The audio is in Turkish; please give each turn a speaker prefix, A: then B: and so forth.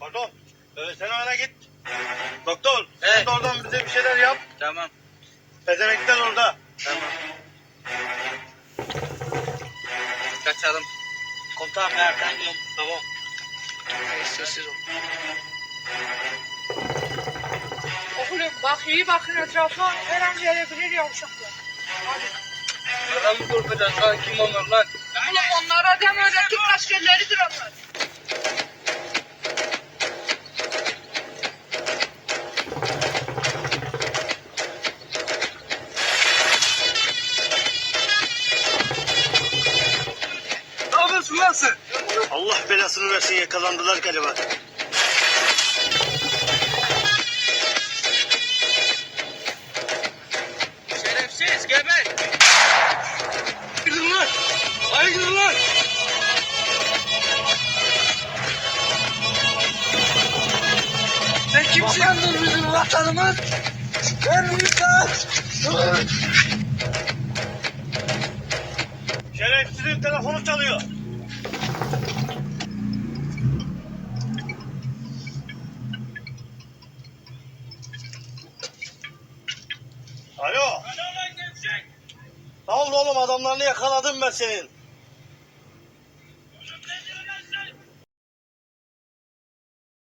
A: Pardon. Sen öne git. Doktor.
B: Evet.
A: Sen de oradan bize bir şeyler yap.
B: Tamam.
A: Pezemekler orada.
B: Tamam. Kaçalım. Komutanım nereden gidiyorum?
A: Tamam.
B: Sessiz ol.
C: Oğlum bak iyi bakın etrafa. Her an gelebilir yavşaklar. Hadi.
B: Adam mı korkacağız lan? Kim onlar lan?
C: Oğlum onlara deme öyle Türk askerleridir onlar.
B: Ne yapıyorsun lan sen?
A: Allah belasını versin, yakalandılar galiba.
B: Şerefsiz geber. Gidin lan. Hayır gidin lan. Sen kimsin? Vatandır bizim vatanımız. Ben insan.
A: Şerefsizin telefonu çalıyor. Alo. Ne oldu oğlum, adamlarını yakaladım ben senin.